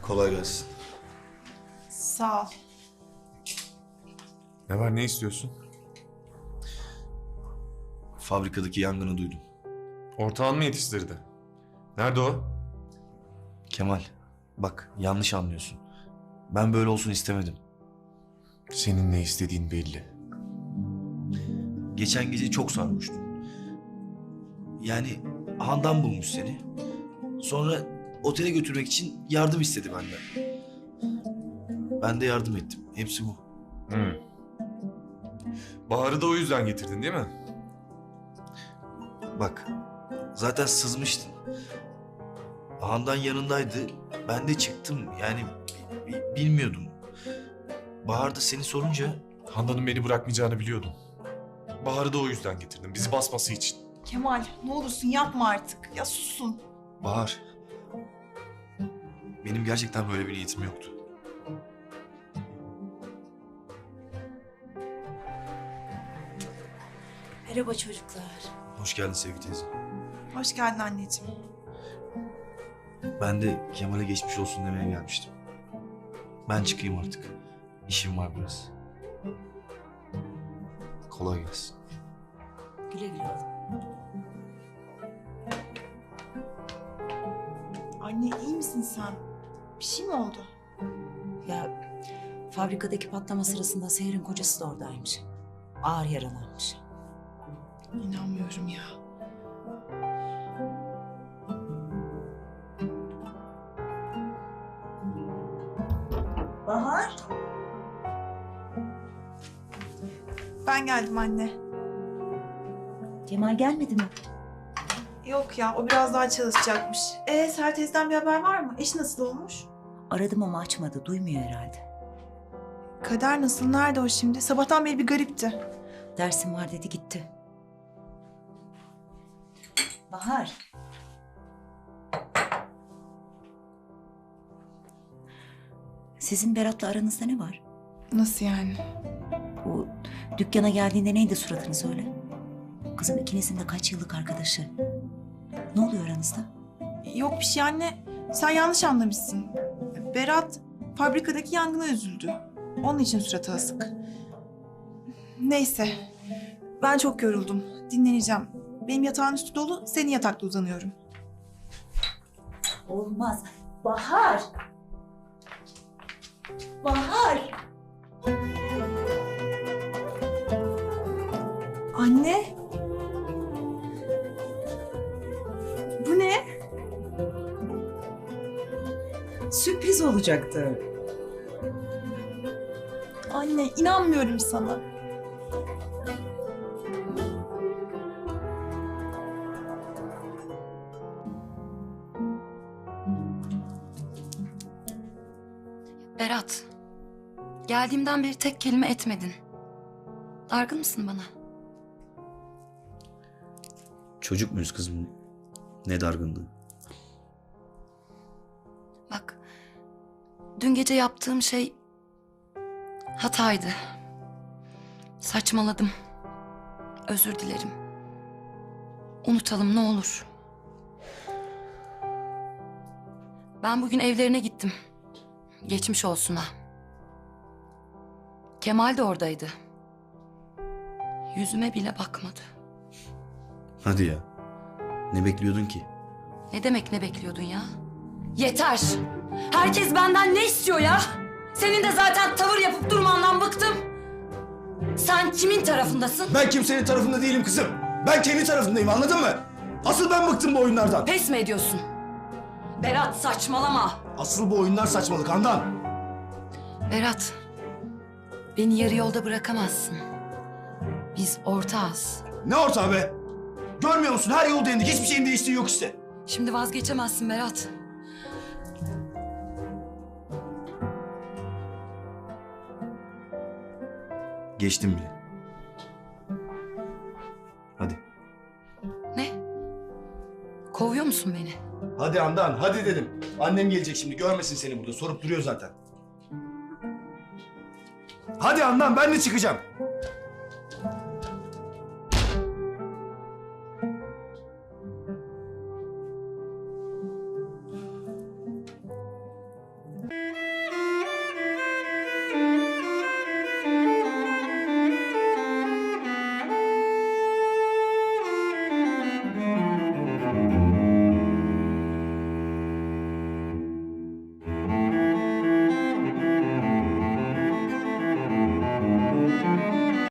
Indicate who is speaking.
Speaker 1: Kolay gelsin.
Speaker 2: Sağ ol.
Speaker 3: Ne var, ne istiyorsun?
Speaker 1: Fabrikadaki yangını duydum.
Speaker 3: Ortağın mı yetiştirdi? Nerede o?
Speaker 1: Kemal, bak yanlış anlıyorsun. Ben böyle olsun istemedim.
Speaker 3: Senin ne istediğin belli.
Speaker 1: Geçen gece çok sarhoştun. Yani Handan bulmuş seni. Sonra otele götürmek için yardım istedi benden. Ben de yardım ettim. Hepsi bu.
Speaker 3: Bahar'ı da o yüzden getirdin değil mi?
Speaker 1: Bak, zaten sızmıştın. Handan yanındaydı. Ben de çıktım. Yani bilmiyordum. Bahar da seni sorunca...
Speaker 3: Handan'ın beni bırakmayacağını biliyordum. Bahar'ı da o yüzden getirdim, bizi basması için.
Speaker 2: Kemal ne olursun yapma artık. Ya susun.
Speaker 1: Bahar, benim gerçekten böyle bir niyetim yoktu.
Speaker 4: Merhaba çocuklar.
Speaker 1: Hoş geldin Sevgi teyze.
Speaker 2: Hoş geldin anneciğim.
Speaker 1: Ben de Kemal'e geçmiş olsun demeye gelmiştim. Ben çıkayım artık. İşim var biraz. Kolay gelsin.
Speaker 4: Güle güle oğlum.
Speaker 2: Anne iyi misin sen? Bir şey mi oldu?
Speaker 4: Ya fabrikadaki patlama sırasında Seher'in kocası da oradaymış. Ağır yaralanmış.
Speaker 2: İnanmıyorum ya.
Speaker 4: Bahar?
Speaker 2: Ben geldim anne.
Speaker 4: Kemal gelmedi mi?
Speaker 2: Yok ya o biraz daha çalışacakmış. Seher teyzeden bir haber var mı? Eşi nasıl olmuş?
Speaker 4: Aradım ama açmadı. Duymuyor herhalde.
Speaker 2: Kader nasıl? Nerede o şimdi? Sabahtan beri bir garipti.
Speaker 4: Dersim var dedi gitti. Bahar. Sizin Berat'la aranızda ne var?
Speaker 2: Nasıl yani?
Speaker 4: Bu dükkana geldiğinde neydi suratını söyle. Kızım ikinizin de kaç yıllık arkadaşı. Ne oluyor aranızda?
Speaker 2: Yok bir şey anne. Sen yanlış anlamışsın. Berat fabrikadaki yangına üzüldü. Onun için suratı asık. Neyse. Ben çok yoruldum. Dinleneceğim. Benim yatağın üstü dolu. Senin yatakta uzanıyorum.
Speaker 4: Olmaz. Bahar! Bahar!
Speaker 2: Anne. Bu ne?
Speaker 4: Sürpriz olacaktı.
Speaker 2: Anne inanmıyorum sana.
Speaker 5: Berat, geldiğimden beri tek kelime etmedin. Dargın mısın bana?
Speaker 1: Çocuk muyuz kızım? Ne dargınlığı.
Speaker 5: Bak, dün gece yaptığım şey hataydı. Saçmaladım. Özür dilerim. Unutalım ne olur. Ben bugün evlerine gittim. Geçmiş olsuna. Kemal de oradaydı. Yüzüme bile bakmadı.
Speaker 1: Hadi ya. Ne bekliyordun ki?
Speaker 5: Ne demek ne bekliyordun ya? Yeter! Herkes benden ne istiyor ya? Senin de zaten tavır yapıp durmandan bıktım. Sen kimin tarafındasın?
Speaker 6: Ben kimsenin tarafında değilim kızım. Ben kendi tarafındayım, anladın mı? Asıl ben bıktım bu oyunlardan.
Speaker 5: Pes mi ediyorsun? Berat saçmalama.
Speaker 6: Asıl bu oyunlar saçmalık Handan.
Speaker 5: Berat, beni yarı yolda bırakamazsın. Biz ortağız.
Speaker 6: Ne ortağı be? Görmüyor musun? Her yol denedik. Hiçbir şeyin değiştiği yok işte.
Speaker 5: Şimdi vazgeçemezsin Berat.
Speaker 1: Geçtim bile. Hadi.
Speaker 5: Ne? Kovuyor musun beni?
Speaker 6: Hadi Handan, hadi dedim. Annem gelecek şimdi. Görmesin seni burada. Sorup duruyor zaten. Hadi Handan, ben de çıkacağım.